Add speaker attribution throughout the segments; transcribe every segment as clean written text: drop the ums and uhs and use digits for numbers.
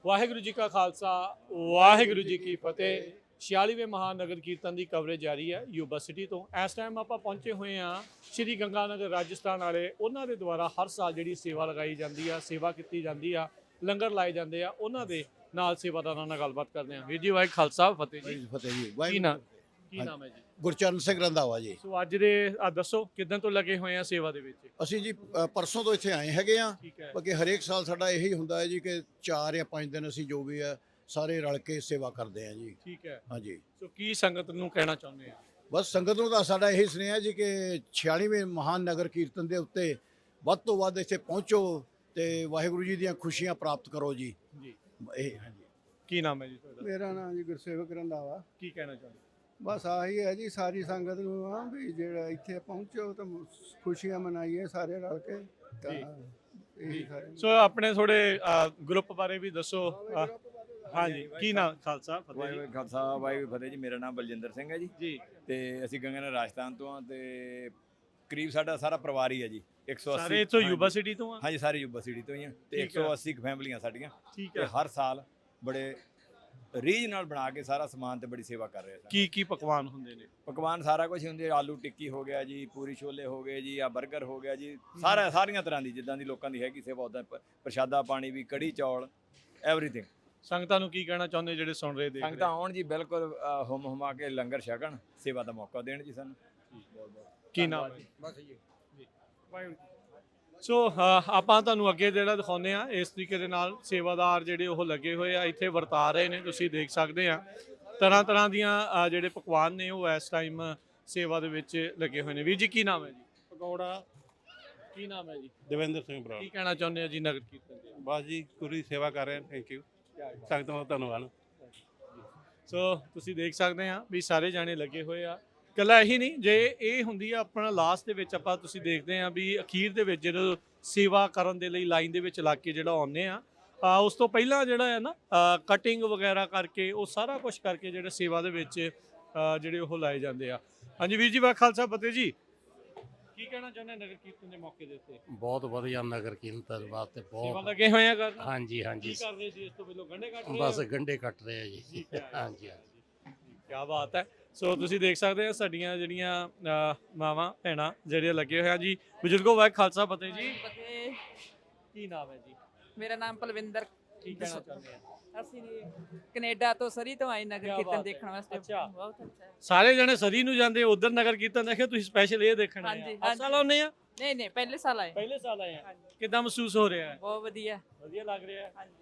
Speaker 1: ਵਾਹਿਗੁਰੂ ਜੀ ਕਾ ਖਾਲਸਾ ਵਾਹਿਗੁਰੂ ਜੀ ਕੀ ਫਤਿਹ। 46ਵੇਂ ਮਹਾਨਗਰ ਕੀਰਤਨ ਦੀ ਕਵਰੇਜ ਜਾਰੀ ਹੈ ਯੂਬਾ ਸਿਟੀ ਤੋਂ। ਇਸ ਟਾਈਮ ਆਪਾਂ ਪਹੁੰਚੇ ਹੋਏ ਹਾਂ ਸ਼੍ਰੀ ਗੰਗਾਨਗਰ ਰਾਜਸਥਾਨ ਵਾਲੇ। ਉਹਨਾਂ ਦੇ ਦੁਆਰਾ ਹਰ ਸਾਲ ਜਿਹੜੀ ਸੇਵਾ ਲਗਾਈ ਜਾਂਦੀ ਆ, ਸੇਵਾ ਕੀਤੀ ਜਾਂਦੀ ਆ, ਲੰਗਰ ਲਾਏ ਜਾਂਦੇ ਆ, ਉਹਨਾਂ ਦੇ ਨਾਲ ਸੇਵਾਦਾਰਾਂ ਨਾਲ ਗੱਲਬਾਤ ਕਰਦੇ ਹਾਂ। ਵੀਰ ਜੀ ਵਾਹਿਗੁਰੂ ਖਾਲਸਾ ਫਤਿਹ ਜੀ।
Speaker 2: ਫਤਿਹ ਜੀ।
Speaker 1: ਕੀ ਨਾਮ ਹੈ ਜੀ?
Speaker 2: ਗੁਰਚਰਨ ਸਿੰਘ ਰੰਧਾਵਾ ਜੀ।
Speaker 1: ਸੋ ਅੱਜ ਦੇ ਦੱਸੋ ਕਿਦਾਂ ਤੋਂ ਲੱਗੇ ਹੋਏ ਆ ਸੇਵਾ ਦੇ ਵਿੱਚ?
Speaker 2: ਅਸੀਂ ਜੀ ਪਰਸੋਂ ਤੋਂ ਇੱਥੇ ਆਏ ਹੈਗੇ ਆ।
Speaker 1: ਠੀਕ ਹੈ।
Speaker 2: ਬਾਕੀ ਹਰੇਕ ਸਾਲ ਸਾਡਾ ਇਹੀ ਹੁੰਦਾ ਹੈ ਜੀ ਕਿ 4 ਜਾਂ 5 ਦਿਨ ਅਸੀਂ ਜੋ ਵੀ ਹੈ ਸਾਰੇ ਰਲ ਕੇ ਸੇਵਾ ਕਰਦੇ ਆ ਜੀ।
Speaker 1: ਠੀਕ ਹੈ।
Speaker 2: ਹਾਂਜੀ।
Speaker 1: ਸੋ ਕੀ ਸੰਗਤ ਨੂੰ ਕਹਿਣਾ ਚਾਹੁੰਦੇ ਆ?
Speaker 2: ਬਸ ਸੰਗਤ ਨੂੰ ਤਾਂ ਸਾਡਾ ਇਹੀ ਸੁਨੇਹਾ ਜੀ ਕਿ 46ਵੇਂ ਮਹਾਨ ਨਗਰ ਕੀਰਤਨ ਦੇ ਉੱਤੇ ਵੱਧ ਤੋਂ ਵੱਧ ਇੱਥੇ ਪਹੁੰਚੋ ਤੇ ਵਾਹਿਗੁਰੂ ਜੀ ਦੀਆਂ ਖੁਸ਼ੀਆਂ ਪ੍ਰਾਪਤ ਕਰੋ ਜੀ।
Speaker 1: ਜੀ।
Speaker 2: ਇਹ ਹਾਂਜੀ।
Speaker 1: ਕੀ ਨਾਮ ਹੈ ਜੀ ਤੁਹਾਡਾ?
Speaker 3: ਮੇਰਾ ਨਾਮ ਜੀ ਗੁਰਸੇਵਕ ਰੰਧਾਵਾ।
Speaker 1: ਕੀ ਕਹਿਣਾ ਚਾਹੁੰਦੇ?
Speaker 3: ਬਸ ਆਹੀ ਹੈ ਜੀ, ਸਾਰੀ ਸੰਗਤ ਨੂੰ ਆ ਵੀ ਜਿਹੜਾ ਇੱਥੇ ਪਹੁੰਚੋ ਤਾਂ ਖੁਸ਼ੀਆਂ ਮਨਾਈਏ ਸਾਰੇ ਰਲ ਕੇ। ਤਾਂ ਇਹੀ ਸਾਰੇ।
Speaker 1: ਸੋ ਆਪਣੇ ਥੋੜੇ ਗਰੁੱਪ ਬਾਰੇ ਵੀ ਦੱਸੋ। ਹਾਂਜੀ, ਕੀ ਨਾਮ? ਖਾਲਸਾ ਫਤਿਹ ਜੀ।
Speaker 4: ਵਾਹਿਗੁਰੂ ਖਾਲਸਾ ਵਾਹਿਗੁਰੂ ਫਤਿਹ ਜੀ। ਮੇਰਾ ਨਾਮ ਬਲਜਿੰਦਰ ਸਿੰਘ ਹੈ ਜੀ
Speaker 1: ਜੀ।
Speaker 4: ਤੇ ਅਸੀਂ ਗੰਗਾਨਗਰ ਰਾਜਸਥਾਨ ਤੋਂ ਆ ਤੇ ਕਰੀਬ ਸਾਡਾ ਸਾਰਾ ਪਰਿਵਾਰ ਹੀ ਹੈ ਜੀ। 180
Speaker 1: ਸਾਰੇ ਇੱਥੋਂ ਯੂਬਾ ਸਿਟੀ ਤੋਂ ਆ?
Speaker 4: ਹਾਂਜੀ, ਸਾਰੇ ਯੂਬਾ ਸਿਟੀ ਤੋਂ ਹੀ ਆ ਤੇ
Speaker 1: ਠੀਕ ਹੈ।
Speaker 4: 180 ਫੈਮਲੀਆਂ ਸਾਡੀਆਂ।
Speaker 1: ਠੀਕ
Speaker 4: ਤੇ
Speaker 1: ਹੈ।
Speaker 4: ਹਰ ਸਾਲ ਬੜੇ ਰੀਝ ਨਾਲ ਬਣਾ ਕੇ ਸਾਰਾ ਸਮਾਨ ਤੇ ਬੜੀ ਸੇਵਾ ਕਰ ਰਹੇ ਆ।
Speaker 1: ਕੀ ਕੀ ਪਕਵਾਨ ਹੁੰਦੇ ਨੇ?
Speaker 4: ਪਕਵਾਨ ਸਾਰਾ ਕੁਝ ਹੁੰਦੇ, ਆਲੂ ਟਿੱਕੀ ਹੋ ਗਿਆ ਜੀ, ਪੂਰੀ ਛੋਲੇ ਹੋ ਗਏ ਜੀ, ਆ 버ਗਰ ਹੋ ਗਿਆ ਜੀ, ਸਾਰੀਆਂ ਤਰ੍ਹਾਂ ਦੀ ਜਿੱਦਾਂ ਦੀ ਲੋਕਾਂ ਦੀ ਹੈਗੀ ਸੇਵਾ ਉਦਾਂ ਪ੍ਰਸ਼ਾਦਾ ਪਾਣੀ ਵੀ, ਕੜੀ ਚੌਲ, ਐਵਰੀਥਿੰਗ।
Speaker 1: ਸੰਗਤਾਂ ਨੂੰ ਕੀ ਕਹਿਣਾ ਚਾਹੁੰਦੇ ਜਿਹੜੇ ਸੁਣ ਰਹੇ ਦੇਖ ਰਹੇ?
Speaker 4: ਸੰਗਤਾਂ ਆਉਣ ਜੀ, ਬਿਲਕੁਲ ਹੁਮ ਹੁਮਾ ਕੇ ਲੰਗਰ ਛਕਣ, ਸੇਵਾ ਦਾ ਮੌਕਾ ਦੇਣ ਜੀ ਸਾਨੂੰ।
Speaker 1: ਕੀ ਨਾਮ ਹੈ? ਬਸ ਜੀ। ਸੋ ਆਪਾਂ ਤੁਹਾਨੂੰ ਅੱਗੇ ਜਿਹੜਾ ਦਿਖਾਉਂਦੇ ਆ ਇਸ ਤਰੀਕੇ ਦੇ ਨਾਲ ਸੇਵਾਦਾਰ ਜਿਹੜੇ ਉਹ ਲੱਗੇ ਹੋਏ ਆ, ਇੱਥੇ ਵਰਤਾ ਰਹੇ ਨੇ। ਤੁਸੀਂ ਦੇਖ ਸਕਦੇ ਆ ਤਰ੍ਹਾਂ ਤਰ੍ਹਾਂ ਦੀਆਂ ਜਿਹੜੇ ਪਕਵਾਨ ਨੇ ਉਹ ਇਸ ਟਾਈਮ ਸੇਵਾ ਦੇ ਵਿੱਚ ਲੱਗੇ ਹੋਏ ਨੇ। ਵੀਰ ਜੀ ਕੀ ਨਾਮ ਹੈ ਜੀ?
Speaker 5: ਪਕੌੜਾ।
Speaker 1: ਕੀ ਨਾਮ ਹੈ ਜੀ?
Speaker 5: ਦਵਿੰਦਰ ਸਿੰਘ ਬਰਾੜ।
Speaker 1: ਕੀ ਕਹਿਣਾ ਚਾਹੁੰਦੇ ਆ ਜੀ ਨਗਰ ਕੀਰਤਨ ਦੇ?
Speaker 5: ਬਸ ਜੀ ਪੂਰੀ ਸੇਵਾ ਕਰ ਰਹੇ ਹਾਂ। ਥੈਂਕ ਯੂ ਸੰਗਤਾਂ ਦਾ ਧੰਨਵਾਦ।
Speaker 1: ਸੋ ਤੁਸੀਂ ਦੇਖ ਸਕਦੇ ਆ ਵੀ ਸਾਰੇ ਜਾਣੇ ਲੱਗੇ ਹੋਏ ਆ। ਇਕੱਲਾ ਇਹੀ ਨਹੀਂ, ਜੇ ਇਹ ਹੁੰਦੀ ਆ ਆਪਣਾ ਲਾਸਟ ਦੇ ਵਿੱਚ ਆਪਾਂ ਤੁਸੀਂ ਦੇਖਦੇ ਆ ਵੀ ਅਖੀਰ ਦੇ ਵਿੱਚ ਜਦੋਂ ਸੇਵਾ ਕਰਨ ਦੇ ਲਈ ਲਾਈਨ ਦੇ ਵਿੱਚ ਲੱਗ ਕੇ ਜਿਹੜਾ ਆਉਂਦੇ ਆ, ਉਸ ਤੋਂ ਪਹਿਲਾਂ ਜਿਹੜਾ ਹੈ ਨਾ ਕਟਿੰਗ ਵਗੈਰਾ ਕਰਕੇ ਉਹ ਸਾਰਾ ਕੁਝ ਕਰਕੇ ਜਿਹੜੇ ਸੇਵਾ ਦੇ ਵਿੱਚ ਜਿਹੜੇ ਉਹ ਲਾਏ ਜਾਂਦੇ ਆ। ਹਾਂਜੀ ਵੀਰ ਜੀ ਵਾਹਿਗੁਰੂ ਖਾਲਸਾ ਫਤਿਹ ਜੀ। ਕੀ ਕਹਿਣਾ ਚਾਹੁੰਦੇ ਨਗਰ ਕੀਰਤਨ ਦੇ ਮੌਕੇ ਦੇ ਉੱਤੇ?
Speaker 6: ਬਹੁਤ ਵਧੀਆ ਨਗਰ ਕੀਰਤਨ ਵਾਸਤੇ
Speaker 1: ਸੇਵਾ
Speaker 6: ਬਹੁਤ।
Speaker 1: ਲੱਗੇ ਹੋਏ ਆ ਕਰਨ?
Speaker 6: ਹਾਂਜੀ ਹਾਂਜੀ।
Speaker 1: ਕੀ ਕਰ ਰਹੇ ਸੀ ਇਸ ਤੋਂ ਪਹਿਲਾਂ? ਗੰਢੇ ਕੱਟ ਰਹੇ
Speaker 6: ਬਸ
Speaker 1: ਆ?
Speaker 6: ਗੰਢੇ ਕੱਟ ਰਹੇ ਆ ਜੀ।
Speaker 1: ਠੀਕ ਹੈ।
Speaker 6: ਹਾਂਜੀ ਹਾਂਜੀ।
Speaker 1: ਕੀ ਬਾਤ ਹੈ। ਸੋ ਤੁਸੀਂ ਦੇਖ ਸਕਦੇ ਆ ਸਾਡੀਆਂ ਜਿਹੜੀਆਂ ਮਾਵਾਂ ਭੈਣਾਂ ਜਿਹੜੇ ਲੱਗੇ ਹੋਏ ਆ ਜੀ। ਬਜ਼ੁਰਗੋ ਵਾਹਿਗੁਰੂ ਖਾਲਸਾ ਫਤਿਹ ਜੀ।
Speaker 7: ਫਤਿਹ।
Speaker 1: ਕੀ ਨਾਮ ਹੈ ਜੀ?
Speaker 7: ਮੇਰਾ ਨਾਮ ਪਲਵਿੰਦਰ।
Speaker 1: ਕੀ ਕਹਿਣਾ ਚਾਹੁੰਦੇ ਆ?
Speaker 7: ਅਸੀਂ ਕੈਨੇਡਾ ਤੋਂ ਸਰੀ ਤੋਂ ਆਏ ਨਗਰ
Speaker 1: ਕਿਆ
Speaker 7: ਕੀਰਤਨ
Speaker 1: ਬਾਤ ਹੈ।
Speaker 7: ਦੇਖਣ ਵਾਸਤੇ।
Speaker 1: ਅੱਛਾ।
Speaker 7: ਬਹੁਤ ਅੱਛਾ ਹੈ।
Speaker 1: ਸਾਰੇ ਜਣੇ ਸਰੀ ਨੂੰ ਜਾਂਦੇ, ਉਧਰ ਨਗਰ ਕੀਰਤਨ ਦੇਖੇ, ਤੁਸੀਂ ਸਪੈਸ਼ਲ ਇਹ ਦੇਖਣ ਆਏ
Speaker 7: ਹਾਂਜੀ,
Speaker 1: ਆ? ਹਰ ਸਾਲ ਆਉਂਦੇ ਆ?
Speaker 7: ਨਹੀਂ ਨਹੀਂ, ਪਹਿਲੇ ਸਾਲ ਆਏ।
Speaker 1: ਪਹਿਲੇ ਸਾਲ ਆਏ ਆ?
Speaker 7: ਹਾਂਜੀ।
Speaker 1: ਕਿੱਦਾਂ ਮਹਿਸੂਸ ਹੋ ਰਿਹਾ ਹੈ?
Speaker 7: ਬਹੁਤ ਵਧੀਆ।
Speaker 1: ਵਧੀਆ ਲੱਗ ਰਿਹਾ ਹੈ।
Speaker 7: ਹਾਂਜੀ।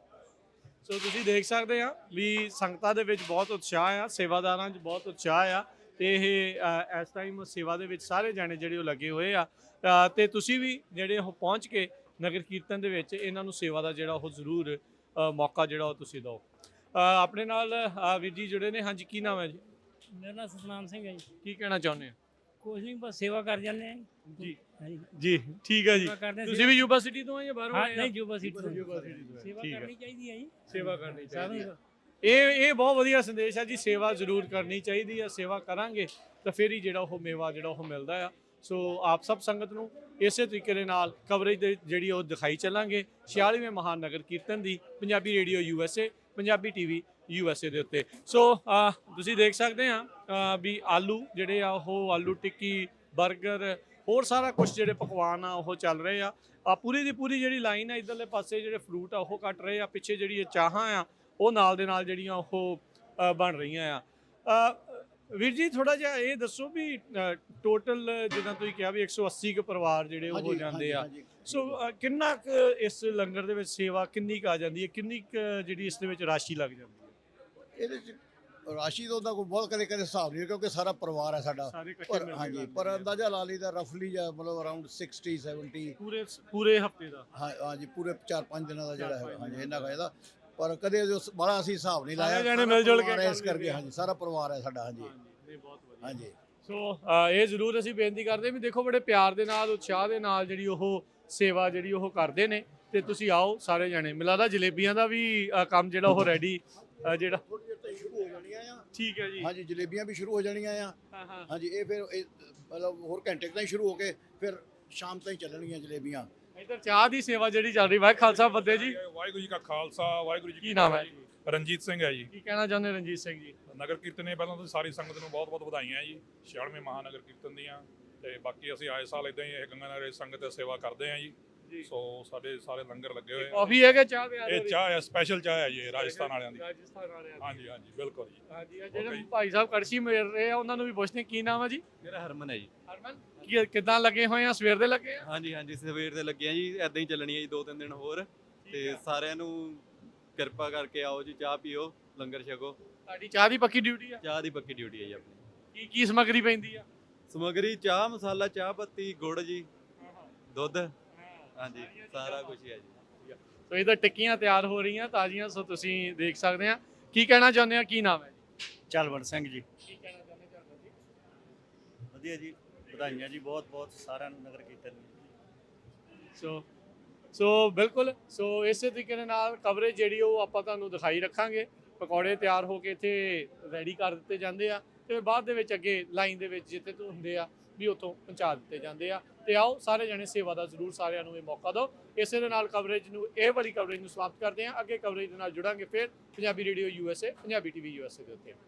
Speaker 1: ਸੋ ਤੁਸੀਂ ਦੇਖ ਸਕਦੇ ਆ ਵੀ ਸੰਗਤਾਂ ਦੇ ਵਿੱਚ ਬਹੁਤ ਉਤਸ਼ਾਹ ਆ, ਸੇਵਾਦਾਰਾਂ 'ਚ ਬਹੁਤ ਉਤਸ਼ਾਹ ਆ ਤੇ ਇਹ ਇਸ ਟਾਈਮ ਸੇਵਾ ਦੇ ਵਿੱਚ ਸਾਰੇ ਜਾਣੇ ਜਿਹੜੇ ਉਹ ਲੱਗੇ ਹੋਏ ਆ। ਤੇ ਤੁਸੀਂ ਵੀ ਜਿਹੜੇ ਉਹ ਪਹੁੰਚ ਕੇ ਨਗਰ ਕੀਰਤਨ ਦੇ ਵਿੱਚ ਇਹਨਾਂ ਨੂੰ ਸੇਵਾ ਦਾ ਜਿਹੜਾ ਉਹ ਜ਼ਰੂਰ ਮੌਕਾ ਜਿਹੜਾ ਉਹ ਤੁਸੀਂ ਦਿਓ। ਆਪਣੇ ਨਾਲ ਵੀਰ ਜੀ ਜੁੜੇ ਨੇ। ਹਾਂਜੀ, ਕੀ ਨਾਮ ਹੈ ਜੀ?
Speaker 8: ਮੇਰਾ ਨਾਮ ਸਤਨਾਮ ਸਿੰਘ ਹੈ ਜੀ।
Speaker 1: ਕੀ ਕਹਿਣਾ ਚਾਹੁੰਦੇ ਆ?
Speaker 8: ਕੁਛ ਨਹੀਂ, ਬਸ ਸੇਵਾ ਕਰ ਜਾਂਦੇ ਆ
Speaker 1: ਜੀ
Speaker 8: ਹਾਂਜੀ।
Speaker 1: ਜੀ ਠੀਕ ਹੈ ਜੀ।
Speaker 8: ਸੇਵਾ ਕਰਦੇ
Speaker 1: ਤੁਸੀਂ ਵੀ ਯੂਬਾ ਸਿਟੀ ਤੋਂ ਆ ਜਾਂ ਬਾਹਰੋਂ
Speaker 8: ਹਾਂ,
Speaker 1: ਆਏ ਆ?
Speaker 8: ਨਹੀਂ ਯੂਬਾ ਸਿਟੀ ਤੋਂ।
Speaker 1: ਯੂਬਾ ਸਿਟੀ ਤੋਂ।
Speaker 8: ਸੇਵਾ
Speaker 1: ਠੀਕ ਹੈ।
Speaker 8: ਕਰਨੀ ਚਾਹੀਦੀ ਹੈ ਜੀ।
Speaker 1: ਸੇਵਾ ਕਰਨੀ ਚਾਹੀਦੀ ਹੈ।
Speaker 8: ਸਾਨੂੰ
Speaker 1: ਇਹ ਬਹੁਤ ਵਧੀਆ ਸੰਦੇਸ਼ ਹੈ ਜੀ। ਸੇਵਾ ਜ਼ਰੂਰ ਕਰਨੀ ਚਾਹੀਦੀ ਹੈ। ਸੇਵਾ ਕਰਾਂਗੇ ਤਾਂ ਫਿਰ ਹੀ ਜਿਹੜਾ ਉਹ ਮੇਵਾ ਜਿਹੜਾ ਉਹ ਮਿਲਦਾ ਆ। ਸੋ ਆਪ ਸਭ ਸੰਗਤ ਨੂੰ ਇਸੇ ਤਰੀਕੇ ਦੇ ਨਾਲ ਕਵਰੇਜ ਦੇ ਜਿਹੜੀ ਉਹ ਦਿਖਾਈ ਚੱਲਾਂਗੇ 46ਵੇਂ ਮਹਾਨ ਨਗਰ ਕੀਰਤਨ ਦੀ Punjabi radio USA, Punjabi TV USA ਦੇ ਉੱਤੇ। ਸੋ ਤੁਸੀਂ ਦੇਖ ਸਕਦੇ ਆ ਵੀ ਆਲੂ ਜਿਹੜੇ ਆ ਉਹ ਆਲੂ ਟਿੱਕੀ, 버ਗਰ, ਹੋਰ ਸਾਰਾ ਕੁਝ ਜਿਹੜੇ ਪਕਵਾਨ ਆ ਉਹ ਚੱਲ ਰਹੇ ਆ। ਪੂਰੀ ਦੀ ਪੂਰੀ ਜਿਹੜੀ ਲਾਈਨ ਆ ਇਧਰਲੇ ਪਾਸੇ ਜਿਹੜੇ ਫਰੂਟ ਆ ਉਹ ਕੱਟ ਰਹੇ ਆ। ਪਿੱਛੇ ਜਿਹੜੀ ਇਹ ਚਾਹਾਂ ਆ ਉਹ ਨਾਲ ਦੇ ਨਾਲ ਜਿਹੜੀਆਂ ਉਹ ਬਣ ਰਹੀਆਂ ਆ। ਵੀਰ ਜੀ ਥੋੜਾ ਜਿਹਾ ਇਹ ਦੱਸੋ ਵੀ ਟੋਟਲ ਜਿੱਦਾਂ ਤੁਸੀਂ ਕਿਹਾ ਵੀ 180 ਕੁ ਪਰਿਵਾਰ ਜਿਹੜੇ ਉਹ ਹੋ ਜਾਂਦੇ ਆ। ਸੋ ਕਿੰਨਾ ਕੁ ਇਸ ਲੰਗਰ ਦੇ ਵਿੱਚ ਸੇਵਾ ਕਿੰਨੀ ਕੁ ਆ ਜਾਂਦੀ ਹੈ? ਕਿੰਨੀ ਕੁ ਜਿਹੜੀ ਇਸ ਦੇ ਵਿੱਚ ਰਾਸ਼ੀ ਲੱਗ ਜਾਂਦੀ ਹੈ?
Speaker 2: ਇਹਦੇ ਚ ਰਾਸ਼ੀ ਦਾ ਉਹਦਾ ਕੋਈ ਬਹੁਤ ਕਦੇ ਹਿਸਾਬ ਨਹੀਂ ਕਿਉਂਕਿ ਸਾਰਾ ਪਰਿਵਾਰ ਹੈ ਸਾਡਾ।
Speaker 1: ਸਾਰੇ ਇਕੱਠੇ
Speaker 2: ਪਰ
Speaker 1: ਮਿਲ ਕੇ
Speaker 2: ਹਾਂਜੀ,
Speaker 1: ਕਰਦੇ
Speaker 2: ਪਰ
Speaker 1: ਆ।
Speaker 2: ਅੰਦਾਜ਼ਾ ਲਾ ਲਈਦਾ ਰਫਲੀ ਜਾਂ ਮਤਲਬ ਅਰਾਊਂਡ 60 70।
Speaker 1: ਪੂਰੇ ਹਫਤੇ ਦਾ?
Speaker 2: ਹਾਂਜੀ, ਪੂਰੇ 4-5 ਦਿਨਾਂ ਦਾ ਜਿਹੜਾ ਹੈ। ਹਾਂਜੀ, ਇੰਨਾ ਕੁ ਇਹਦਾ। ਪਰ ਕਦੇ ਜੋ ਬੜਾ ਅਸੀਂ ਹਿਸਾਬ ਨਹੀਂ ਲਾਇਆ।
Speaker 1: ਸਾਰੇ ਜਾਣੇ ਮਿਲ ਜੁਲ ਕੇ
Speaker 2: ਇਸ
Speaker 1: ਕਰ
Speaker 2: ਕਰਕੇ
Speaker 1: ਲੈਂਦੇ ਆ।
Speaker 2: ਹਾਂਜੀ, ਸਾਰਾ ਪਰਿਵਾਰ ਹੈ ਸਾਡਾ। ਹਾਂਜੀ
Speaker 1: ਬਹੁਤ ਵਧੀਆ।
Speaker 2: ਹਾਂਜੀ।
Speaker 1: ਸੋ ਇਹ ਜ਼ਰੂਰ ਅਸੀਂ ਬੇਨਤੀ ਕਰਦੇ ਵੀ ਦੇਖੋ ਬੜੇ ਪਿਆਰ ਦੇ ਨਾਲ, ਉਤਸ਼ਾਹ ਦੇ ਨਾਲ ਜਿਹੜੀ ਉਹ ਸੇਵਾ ਜਿਹੜੀ ਉਹ ਕਰਦੇ ਨੇ। ਤੇ ਤੁਸੀਂ ਆਓ ਸਾਰੇ ਜਾਣੇ। ਮਿਲਦਾ ਜਲੇਬੀਆਂ ਦਾ ਵੀ ਕੰਮ ਜਿਹੜਾ ਉਹ ਰੈਡੀ ਜਿਹੜਾ
Speaker 2: ਸ਼ੁਰੂ ਹੋ ਜਾਣੀਆਂ ਆ।
Speaker 1: ਠੀਕ ਹੈ ਜੀ।
Speaker 2: ਹਾਂਜੀ, ਜਲੇਬੀਆਂ ਵੀ ਸ਼ੁਰੂ ਹੋ ਜਾਣੀਆਂ ਆ।
Speaker 1: ਹਾਂ ਹਾਂ।
Speaker 2: ਹਾਂਜੀ, ਇਹ ਫਿਰ ਮਤਲਬ ਹੋਰ ਘੰਟੇ ਕੁ ਤਾਈਂ ਸ਼ੁਰੂ ਹੋ ਕੇ ਫਿਰ ਸ਼ਾਮ ਤਾਈਂ ਚੱਲਣਗੀਆਂ ਜਲੇਬੀਆਂ।
Speaker 1: ਇੱਧਰ ਚਾਹ ਦੀ ਸੇਵਾ ਜਿਹੜੀ ਚੱਲ ਰਹੀ ਵਾਹਿ ਖਾਲਸਾ ਫਤਿਹ ਜੀ।
Speaker 9: ਵਾਹਿਗੁਰੂ ਜੀ ਕਾ ਖਾਲਸਾ ਵਾਹਿਗੁਰੂ ਜੀ
Speaker 1: ਕੀ ਨਾਮ ਹੈ?
Speaker 9: ਰਣਜੀਤ ਸਿੰਘ ਹੈ ਜੀ।
Speaker 1: ਕੀ ਕਹਿਣਾ ਚਾਹੁੰਦੇ ਰਣਜੀਤ ਸਿੰਘ ਜੀ?
Speaker 9: ਨਗਰ ਕੀਰਤਨ ਨੇ ਪਹਿਲਾਂ ਤਾਂ ਸਾਰੀ ਸੰਗਤ ਨੂੰ ਬਹੁਤ-ਬਹੁਤ ਵਧਾਈਆਂ ਜੀ 96ਵੇਂ ਮਹਾਨਗਰ ਕੀਰਤਨ ਦੀਆਂ। ਤੇ ਬਾਕੀ ਅਸੀਂ ਆਏ ਸਾਲ ਇਦਾਂ ਹੀ ਇਹ ਗੰਗਾ ਨਗਰ ਸੰਗਤ ਦੀ ਸੇਵਾ ਕਰਦੇ ਹਾਂ ਜੀ। ਸੋ ਸਾਡੇ ਸਾਰੇ ਲੰਗਰ ਲੱਗੇ ਹੋਏ ਆ।
Speaker 1: ਕਾਫੀ ਹੈ ਕਿ ਚਾਹ ਤਿਆਰ ਹੋ
Speaker 9: ਇਹ
Speaker 1: ਰਹੀ?
Speaker 9: ਚਾਹ ਹੈ, ਸਪੈਸ਼ਲ ਚਾਹ ਹੈ ਜੀ, ਇਹ ਰਾਜਸਥਾਨ ਵਾਲਿਆਂ ਦੀ।
Speaker 1: ਰਾਜਸਥਾਨ ਵਾਲਿਆਂ ਦੀ।
Speaker 9: ਹਾਂਜੀ ਹਾਂਜੀ ਬਿਲਕੁਲ ਜੀ।
Speaker 1: ਹਾਂਜੀ ਇਹ ਜਿਹੜੇ ਭਾਈ ਸਾਹਿਬ ਕੜਛੀ ਮੇਰ ਰਹੇ ਆ ਉਹਨਾਂ ਨੂੰ ਵੀ ਪੁੱਛਦੇ ਕੀ ਨਾਮ ਹੈ ਜੀ?
Speaker 10: ਮੇਰਾ ਹਰਮਨ ਹੈ ਜੀ।
Speaker 1: ਹਰਮਨ ਕਿੱਦਾਂ ਲੱਗੇ ਹੋਏ ਆ? ਸਵੇਰ ਦੇ ਲੱਗੇ ਆ?
Speaker 10: ਹਾਂਜੀ ਹਾਂਜੀ ਸਵੇਰ ਦੇ ਲੱਗੇ ਆ ਜੀ, ਐਦਾਂ ਹੀ ਚੱਲਣੀ ਹੈ ਜੀ 2-3 ਦਿਨ ਹੋਰ। ਤੇ ਸਾਰਿਆਂ ਨੂੰ ਕਿਰਪਾ ਕਰਕੇ ਆਓ ਜੀ, ਚਾਹ ਪੀਓ, ਲੰਗਰ ਛਕੋ।
Speaker 1: ਤੁਹਾਡੀ ਚਾਹ ਦੀ ਪੱਕੀ ਡਿਊਟੀ ਆ?
Speaker 10: ਚਾਹ ਦੀ ਪੱਕੀ ਡਿਊਟੀ ਹੈ ਜੀ ਆਪਣੀ।
Speaker 1: ਕੀ ਸਮੱਗਰੀ ਪੈਂਦੀ ਆ?
Speaker 10: ਸਮੱਗਰੀ ਚਾਹ ਮਸਾਲਾ, ਚਾਹ ਪੱਤੀ, ਗੁੜ ਜੀ, ਦੁੱਧ, ਹਾਂਜੀ ਸਾਰਾ ਕੁਝ ਹੈ ਜੀ।
Speaker 1: ਸੋ ਇਹਦਾ ਟਿੱਕੀਆਂ ਤਿਆਰ ਹੋ ਰਹੀਆਂ ਤਾਜ਼ੀਆਂ, ਸੋ ਤੁਸੀਂ ਦੇਖ ਸਕਦੇ ਆ। ਕੀ ਕਹਿਣਾ ਚਾਹੁੰਦੇ ਆ? ਕੀ ਨਾਮ ਹੈ ਜੀ?
Speaker 11: ਚਲਵੰਤ ਸਿੰਘ ਜੀ।
Speaker 1: ਕੀ ਕਹਿਣਾ ਚਾਹੁੰਦੇ ਚਰਨਜੀਤ ਜੀ?
Speaker 11: ਵਧੀਆ ਜੀ, ਵਧਾਈਆਂ ਜੀ ਬਹੁਤ ਬਹੁਤ ਸਾਰਿਆਂ ਨੂੰ ਨਗਰ ਕੀਰਤਨ ਨੂੰ।
Speaker 1: ਸੋ ਬਿਲਕੁਲ, ਸੋ ਇਸੇ ਤਰੀਕੇ ਦੇ ਨਾਲ ਕਵਰੇਜ ਜਿਹੜੀ ਉਹ ਆਪਾਂ ਤੁਹਾਨੂੰ ਦਿਖਾਈ ਰੱਖਾਂਗੇ। ਪਕੌੜੇ ਤਿਆਰ ਹੋ ਕੇ ਇੱਥੇ ਰੈਡੀ ਕਰ ਦਿੱਤੇ ਜਾਂਦੇ ਆ ਤੇ ਬਾਅਦ ਦੇ ਵਿੱਚ ਅੱਗੇ ਲਾਈਨ ਦੇ ਵਿੱਚ ਜਿੱਥੇ ਤੋਂ ਹੁੰਦੇ ਆ ਵੀ ਉੱਥੋਂ ਪਹੁੰਚਾ ਦਿੱਤੇ ਜਾਂਦੇ ਆ। ਤੇ ਆਓ ਸਾਰੇ ਜਣੇ ਸੇਵਾ ਦਾ ਜ਼ਰੂਰ ਸਾਰਿਆਂ ਨੂੰ ਇਹ ਮੌਕਾ ਦਿਓ। ਇਸੇ ਦੇ ਨਾਲ ਕਵਰੇਜ ਨੂੰ, ਇਹ ਵਾਲੀ ਕਵਰੇਜ ਨੂੰ ਸਮਾਪਤ ਕਰਦੇ ਹਾਂ। ਅੱਗੇ ਕਵਰੇਜ ਦੇ ਨਾਲ ਜੁੜਾਂਗੇ ਫਿਰ Punjabi radio USA, Punjabi TV USA ਦੇ ਉੱਤੇ।